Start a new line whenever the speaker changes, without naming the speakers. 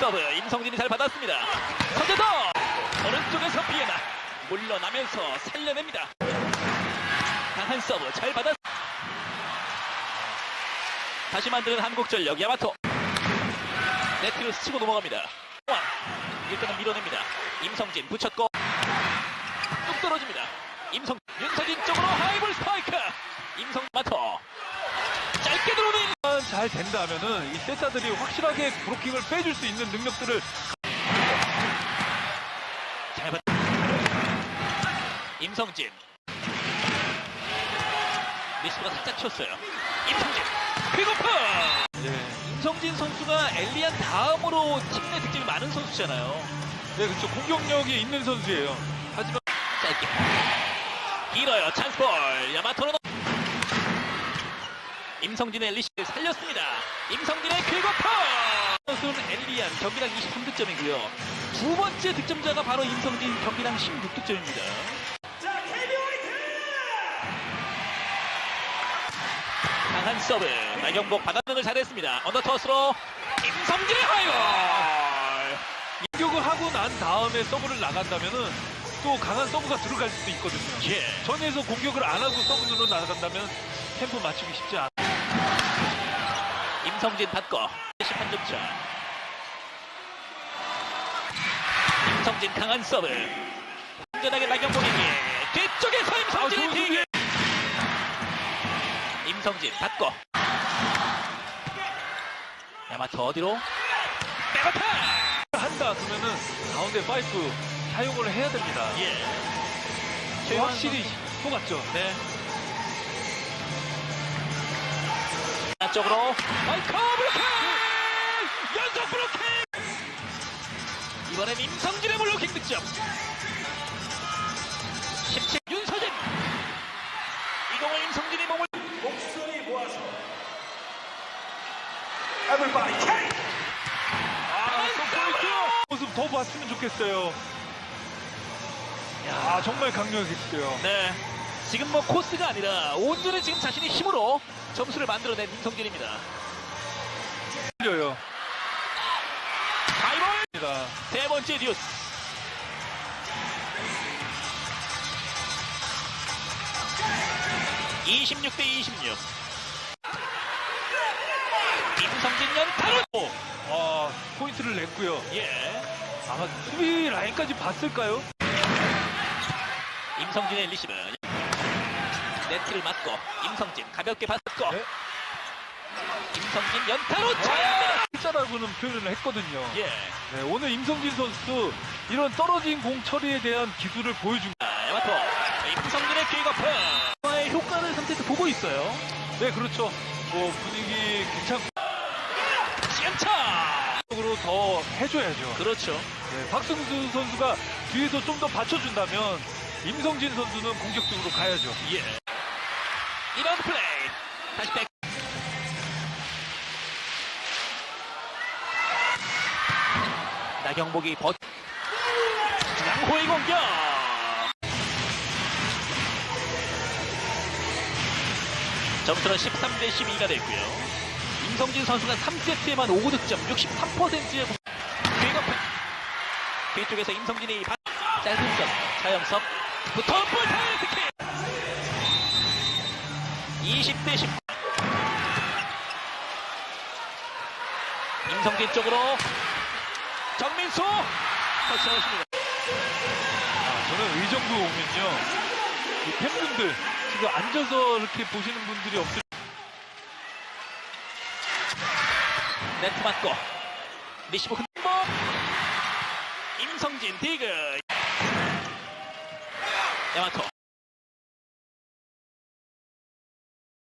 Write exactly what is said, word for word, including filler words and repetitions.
서브 임성진이 잘 받았습니다. 선제도 오른쪽에서 비에나 물러나면서 살려냅니다. 강한 서브 잘 받았. 다시 만드는 한국전력 야마토. 네트를 스치고 넘어갑니다. 일단은 밀어냅니다. 임성진 붙였고 뚝 떨어집니다. 임성 윤서진 쪽으로 하이볼 스파이크. 임성 마토 짧게 들어오는.
잘 된다면은 이 세타들이 확실하게 브로킹을 빼줄 수 있는 능력들을
잘 받. 임성진 리시브가 살짝 쳤어요. 임성진 픽오프.
예.
임성진 선수가 엘리안 다음으로 팀 내 득점이 많은 선수잖아요.
네, 그렇죠. 공격력이 있는 선수예요. 하지만
짧게 길어요. 찬스볼 야마토로. 임성진의 리시브를 살렸습니다. 임성진의 퀵오프. 선수는 엘리안 경기당 이십삼 득점이고요. 두 번째 득점자가 바로 임성진 경기당 십육 득점입니다. 강한 서브 나경복 받아내는 잘했습니다. 언더터스로 임성진의 하이볼.
공격을 하고 난 다음에 서브를 나간다면은 또 강한 서브가 들어갈 수도 있거든요.
예.
전에서 공격을 안 하고 서브로 나간다면 템포 맞추기 쉽지 않아.
임성진 받고 십한 점 차. 임성진 강한 서브 안전하게 나경복에게 뒤쪽에서 임성진의
아,
뒤에. 임성진 받고 야마토 어디로 백어타.
한다 그러면은 가운데 파이프 사용을 해야 됩니다.
예.
확실히 속았죠.
네. 안쪽으로 마이커 블로킹 연속 블로킹. 이번엔 임성진의 블로킹 득점. 십칠 윤서진 이 공을 임성진이 몸을
목소리 모아서 Everybody take!
아, 서포이트 모습 더 봤으면 좋겠어요. 야, 정말 강력했어요.
네. 지금 뭐 코스가 아니라 온전히 지금 자신의 힘으로 점수를 만들어낸 임성진입니다.
틀려요.
하이볼 세 번째 듀스. 이십육 대 이십육. 임성진 연타로.
아, 포인트를 냈고요.
예.
아마 수비 라인까지 봤을까요?
임성진의 리시브. 네트를 맞고 임성진 가볍게 받고
네.
임성진 연타로 차.
진짜라고는 표현을 했거든요.
예.
네, 오늘 임성진 선수 이런 떨어진 공 처리에 대한 기술을 보여준.
아, 야마토 임성진의 킥오프. 의 효과를 상태에서 보고 있어요.
네, 그렇죠. 뭐 분위기 괜찮고
시간차.
쪽으로 더 해줘야죠.
그렇죠.
네, 박승수 선수가 뒤에서 좀 더 받쳐준다면 임성진 선수는 공격적으로 가야죠.
예. 이런 플레이. 다시 백. 나경복이 버. 양호의 공격. 점수는 십삼 대 십이가 됐고요. 임성진 선수가 삼 세트에만 오 득점, 육십삼 퍼센트의 공. 빅어프. 뒤쪽에서 임성진이 바... 짧은 점. 차영석. 부터 볼 타이트킥. 이십 대 십. 임성진 쪽으로 정민수 터치하였습니다.
아, 저는 이 정도 오면요, 이 팬분들 지금 앉아서 이렇게 보시는 분들이 없을.
네트 맞고 리시브 흔복. 임성진 디그. 야마토